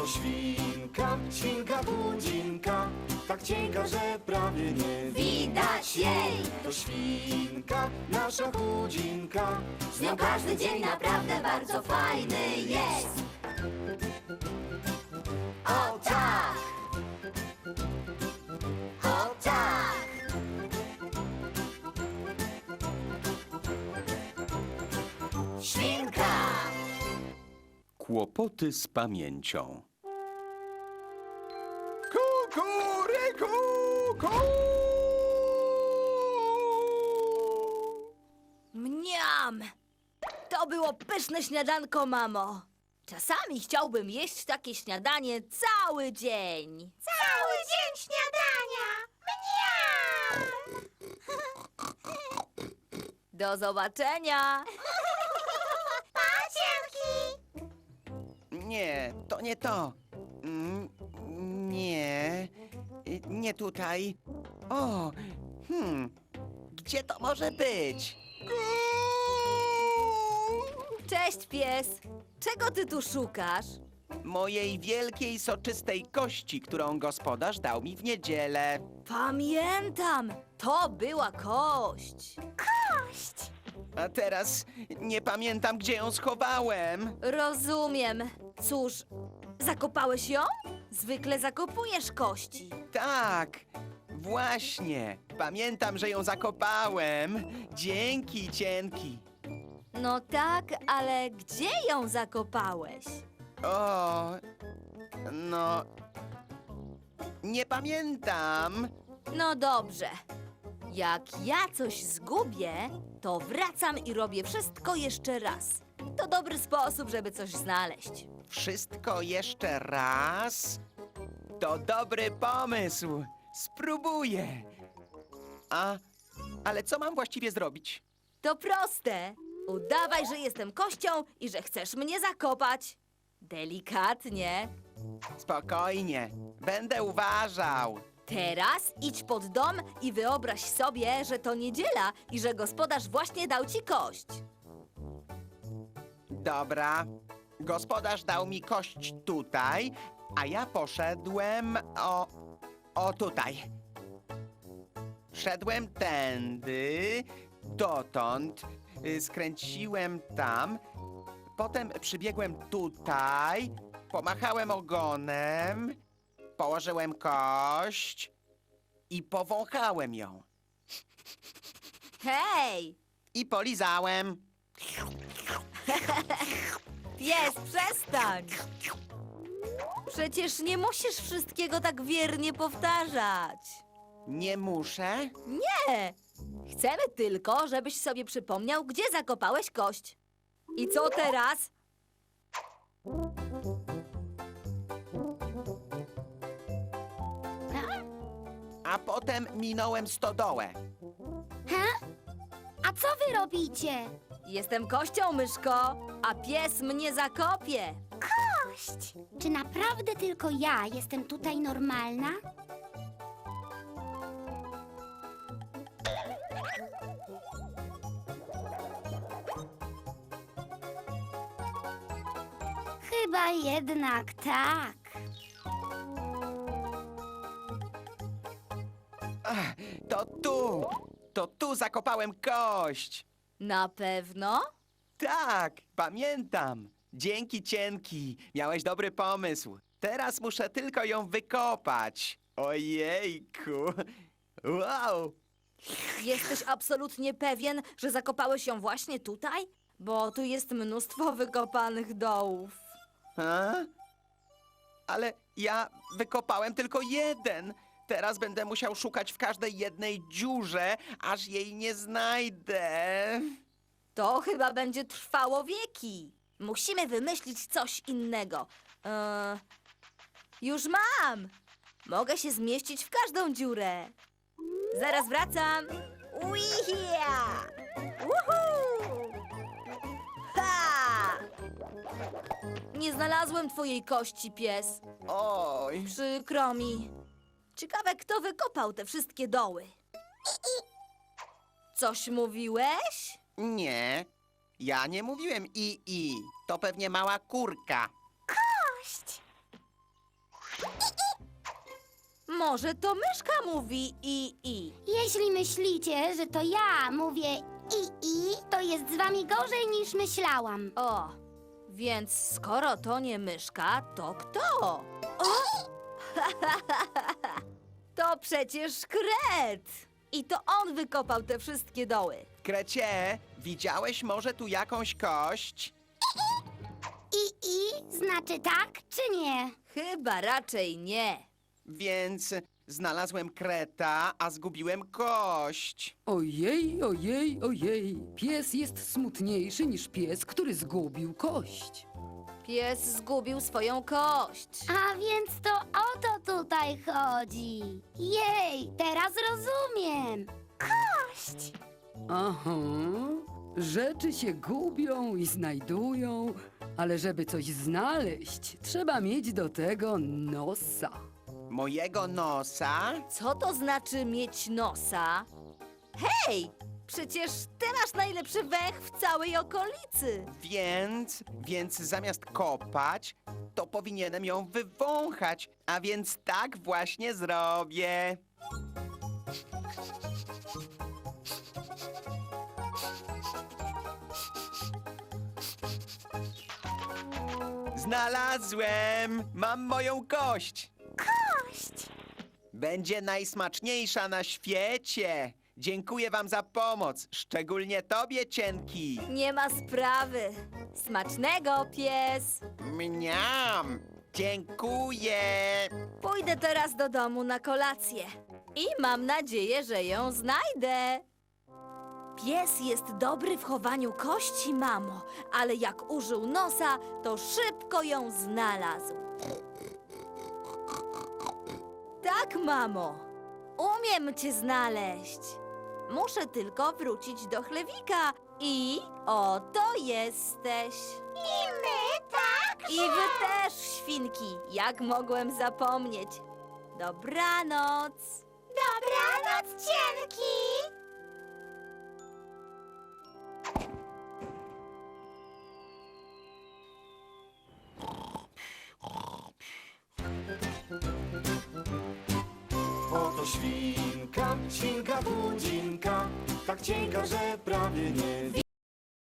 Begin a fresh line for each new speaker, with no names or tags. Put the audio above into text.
To świnka, świnka budzinka, tak cienka, że prawie nie
Widać jej,
To świnka, nasza budzinka,
z nią każdy dzień naprawdę bardzo fajny jest. O tak! O tak! Świnka!
Kłopoty z pamięcią.
Kukuryku,
Mniam! To było pyszne śniadanko, mamo. Czasami chciałbym jeść takie śniadanie cały dzień.
Cały dzień śniadania! Mniam!
Do zobaczenia!
Pacienki!
Nie, to nie to. Nie, nie tutaj. O, gdzie to może być?
Cześć, pies! Czego ty tu szukasz?
Mojej wielkiej, soczystej kości, którą gospodarz dał mi w niedzielę.
Pamiętam! To była kość.
A teraz nie pamiętam, gdzie ją schowałem.
Rozumiem. Cóż, zakopałeś ją? Zwykle zakopujesz kości.
Tak, właśnie. Pamiętam, że ją zakopałem. Dzięki, cienki.
No tak, ale gdzie ją zakopałeś?
O, no. Nie pamiętam.
No dobrze. Jak ja coś zgubię, to wracam i robię wszystko jeszcze raz. To dobry sposób, żeby coś znaleźć.
Wszystko jeszcze raz? To dobry pomysł. Spróbuję. Ale co mam właściwie zrobić?
To proste. Udawaj, że jestem kością i że chcesz mnie zakopać. Delikatnie.
Spokojnie. Będę uważał.
Teraz idź pod dom i wyobraź sobie, że to niedziela i że gospodarz właśnie dał ci kość.
Dobra. Gospodarz dał mi kość tutaj, a ja poszedłem o tutaj. Szedłem tędy, dotąd, skręciłem tam, potem przybiegłem tutaj, pomachałem ogonem, położyłem kość i powąchałem ją.
Hej!
I polizałem.
Pies, przestań! Przecież nie musisz wszystkiego tak wiernie powtarzać.
Nie muszę?
Nie! Chcemy tylko, żebyś sobie przypomniał, gdzie zakopałeś kość. I co teraz?
A potem minąłem stodołę.
A co wy robicie?
Jestem kością, myszko, a pies mnie zakopie.
Kość! Czy naprawdę tylko ja jestem tutaj normalna? Chyba jednak tak.
To tu zakopałem kość.
Na pewno?
Tak, pamiętam. Dzięki, cienki. Miałeś dobry pomysł. Teraz muszę tylko ją wykopać. Ojejku. Wow.
Jesteś absolutnie pewien, że zakopałeś ją właśnie tutaj? Bo tu jest mnóstwo wykopanych dołów.
A? Ale ja wykopałem tylko jeden. Teraz będę musiał szukać w każdej jednej dziurze, aż jej nie znajdę.
To chyba będzie trwało wieki. Musimy wymyślić coś innego. Już mam! Mogę się zmieścić w każdą dziurę. Zaraz wracam. Uija! Uhu! Ha! Nie znalazłem twojej kości, pies.
Oj.
Przykro mi. Ciekawe, kto wykopał te wszystkie doły. Coś mówiłeś?
Nie, ja nie mówiłem i. To pewnie mała kurka.
Kość!
Może to myszka mówi i.
Jeśli myślicie, że to ja mówię i, to jest z wami gorzej niż myślałam.
O, więc skoro to nie myszka, to kto? O! To przecież Kret! I to on wykopał te wszystkie doły.
Krecie, widziałeś może tu jakąś kość?
I znaczy tak czy nie?
Chyba raczej nie.
Więc znalazłem kreta, a zgubiłem kość.
Ojej, ojej, ojej. Pies jest smutniejszy niż pies, który zgubił kość.
Pies zgubił swoją kość.
A więc to o to tutaj chodzi. Jej, teraz rozumiem. Kość!
Aha. Rzeczy się gubią i znajdują, ale żeby coś znaleźć, trzeba mieć do tego nosa.
Mojego nosa?
Co to znaczy mieć nosa? Hej! Przecież ty masz najlepszy węch w całej okolicy.
Więc zamiast kopać, to powinienem ją wywąchać. A więc tak właśnie zrobię. Znalazłem! Mam moją kość!
Kość!
Będzie najsmaczniejsza na świecie. Dziękuję wam za pomoc, szczególnie tobie, Cienki.
Nie ma sprawy. Smacznego, pies.
Mniam! Dziękuję!
Pójdę teraz do domu na kolację. I mam nadzieję, że ją znajdę. Pies jest dobry w chowaniu kości, mamo, ale jak użył nosa, to szybko ją znalazł. Tak, mamo. Umiem cię znaleźć. Muszę tylko wrócić do chlewika i oto jesteś.
I my także!
I wy też, świnki. Jak mogłem zapomnieć? Dobranoc.
Dobranoc, cienki!
Oto świnka, świnka budzinka, tak cienka, że prawie nie